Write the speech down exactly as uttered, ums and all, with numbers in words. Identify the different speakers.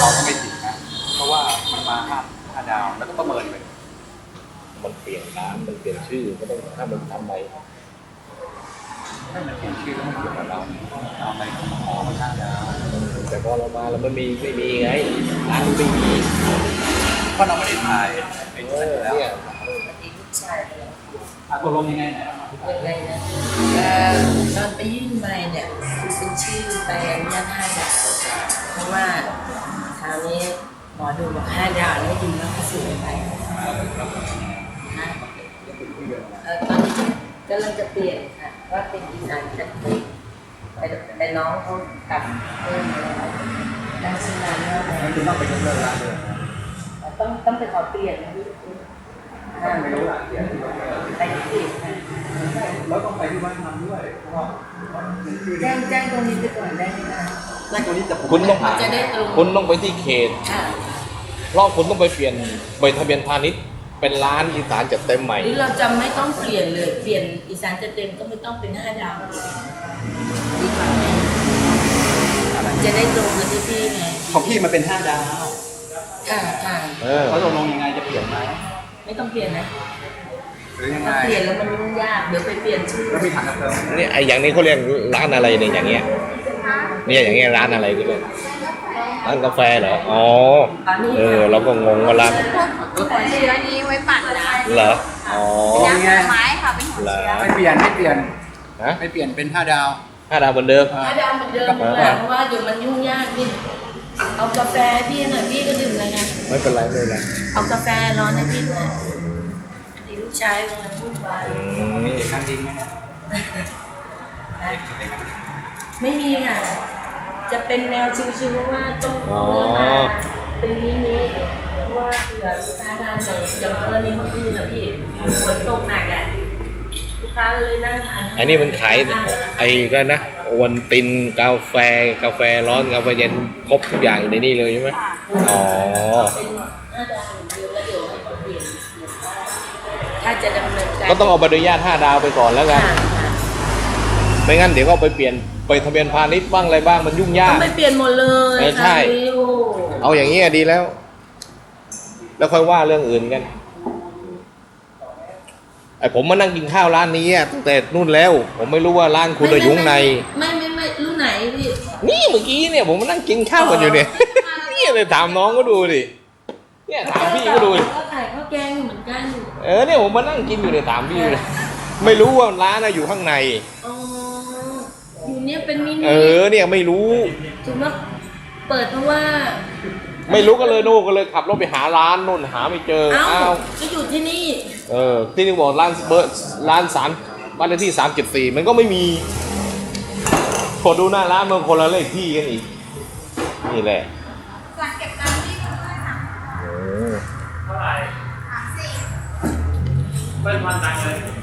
Speaker 1: เราก็ไม่ผิดนะเพราะว่ามันมาห้าห้าดาวแล้วก็ประเมินไป
Speaker 2: มันเปลี่ยนร้านมันเปลี่ยนชื่อก็ต้องถ้ามันทำไม
Speaker 1: ให้มันเปลี่ยนชื่อแล้วมันเกี่ยวกับเราเอาไปขอมาห้าดาว
Speaker 2: แต่พอเรามาแล้วมันมีไม่มีไงร้านมันไม่มี
Speaker 1: เพราะเราไม่ได้ถ่ายไอ้นี่แล้ว
Speaker 2: เนี่ย
Speaker 1: อาตกลงยังไงเนี่ย
Speaker 3: ยังไงนะตอนไปยื่นใบเนี่ยเป็นชื่อใบอนุญาตห้าดาวเพราะว่าคราวนี้หมอดูบอกห้าดาวแล้วดีแล้วก็ซื้อไปนะเออตอนนี้กำลังจะเปลี่ยนค่ะว่าเป็นอีสานจัดเต็มแต่แต่น้องเขากลับเพิ่มแล้วดังสนานแล้ว
Speaker 1: มันจะต้องไปยกเลิกร้านเลย
Speaker 3: ต้องต้องไปขอเปลี่ยนนะพี่
Speaker 1: ไม่รู้ละเดี๋ยว
Speaker 3: ไปที่เปลี่ยนค่ะ
Speaker 1: แล้วต้องไปที่วัดทำด้วยเพราะว่า
Speaker 3: แจ้งแจ้งตรงนี้ไปก่อนได้ไหมคะ
Speaker 1: แจ้งตรงนี้จะ
Speaker 2: คุณต้อง
Speaker 3: จะได้ตรง
Speaker 2: คุณต้องไปที่เขตเพราะคุณต้องไปเปลี่ยนใบทะเบียนพาณิชย์เป็นร้านอีสานจัดเต็มใหม่
Speaker 3: หรือเราจะไม่ต้องเปลี่ยนเลยเปลี่ยนอีสานจัดเต็มก็ไม่ต้องเป็นห้าดาวดีกว่าไหมจะได้ตรงกับที่พี่ไง
Speaker 1: ของพี่มันเป็นห้าดาว
Speaker 3: ค่ะค่ะ
Speaker 1: เขาตกลงยังไงจะเปลี่ยนไหม
Speaker 3: ไม่ต้องเปลี่ยนนะ
Speaker 1: หรือยังไง
Speaker 3: เปลี่ยนแล้วมันยุ่งยากเดี๋ยวไปเปลี่ยนชื่อ
Speaker 1: แล้วมีถังกาแฟ
Speaker 2: นี่ไอ้อย่างนี้เขาเรียกร้านอะไรเนี่ยอย่างเงี้ยเนี่ยอย่างเงี้ยร้านอะไรก็เลยร้านกาแฟเหรออ๋อเออเราก็งงว่าร้าน
Speaker 4: หัวเชื้อนี้ไว้ปั่นนะ
Speaker 2: เหรออ๋อ
Speaker 4: ยักษ์ไม้ค่ะเป็นหัวเชื้อ
Speaker 1: ไม่เปลี่ยนไม่เปลี่ยนนะไม่เปลี่ยนเป็นห้าดาว
Speaker 2: ห้าดาวเหมือนเดิม
Speaker 3: ห้าดาวเหมือนเดิมเพราะว่าเดี๋ยวมันยุ่งยากพี่เอากาแฟพี่หน่อยพี่ก็ดื่มอะไรไง
Speaker 2: ไม่เป็นไรไม่เป็นไร
Speaker 3: เอากาแฟร้อนให้พี่หน่อยดีลูกชายกำลังพูดไป
Speaker 1: มีเด็กนั่งดิ้งไหมเนี่ย
Speaker 3: ไม่มีค่ะจะเป็นแนวชิวๆว่าต้องเลือกมาเป็นนี้นี้ว่าเผื่อลูกค้าทานเลยอย่างกรณีเมื่อคืนนะพี่ฝนตกหนักอ่ะลูกค้าเลยนั่งทาน
Speaker 2: อันนี้มันขายไอ้ก็นะวันตินกาแฟกาแฟร้อนกาแฟเย็นครบทุกอย่างอยู่ในนี้เลยใช่ไหมอ๋อ
Speaker 3: ถ้าจะดำเนินการ
Speaker 2: ก็ต้องเอาใบอนุญาตห้าดาวไปก่อนแล้วกันไม่งั้นเดี๋ยวก็ไปเปลี่ยนไปทะเบียนพาณิชย์บ้างอะไรบ้างมันยุ่งยาก
Speaker 3: ต้องไปเปลี่ยนหมดเลย
Speaker 2: ใช่เอาอย่างนี้ดีแล้วแล้วค่อยว่าเรื่องอื่นกันไอผมมานั่งกินข้าวร้านนี้ตั้งแต่นู่นแล้วผมไม่รู้ว่าร้านคุณจะยุ่งใน
Speaker 3: ไม่ไม่ไม่รู้ไหนพี่
Speaker 2: นี่เมื่อกี้เนี่ยผมมานั่งกินข้าวกันอยู่เนี่ยนี่เลยถามน้องก็ดูดิเนี่ยถามพี่ก็ดู
Speaker 3: ก็ขายข้าวแกงเหมือนกัน
Speaker 2: เออเนี่ยผมมานั่งกินอยู่เนี่ยถามพี่เลยไม่รู้ว่าร้านอยู่ข้างใน
Speaker 3: อ๋ออยู่เนี่ยเป็นมินิ
Speaker 2: เออเนี่ยไม่รู้
Speaker 3: ถึงว่าเปิดเพราะว่า
Speaker 2: ไม่รู้ก็เลยโน่ก็เลยขับรถไปหาร้านนู่นหาไม่เจออ้าว
Speaker 3: ก็อยู่ที่นี่
Speaker 2: เออที่นี่บอกร้านเบอร์ร้านสามบ้านเลขที่สามเจ็ดสี่มันก็ไม่มีพอดูหน้าร้านมันคนละเลขที่กันอีกนี่แหละ
Speaker 4: หลังเก็บตังค์ที่เท่าไหร่คะเท่าไหร่สามสี่
Speaker 1: เป็นวันตังเลย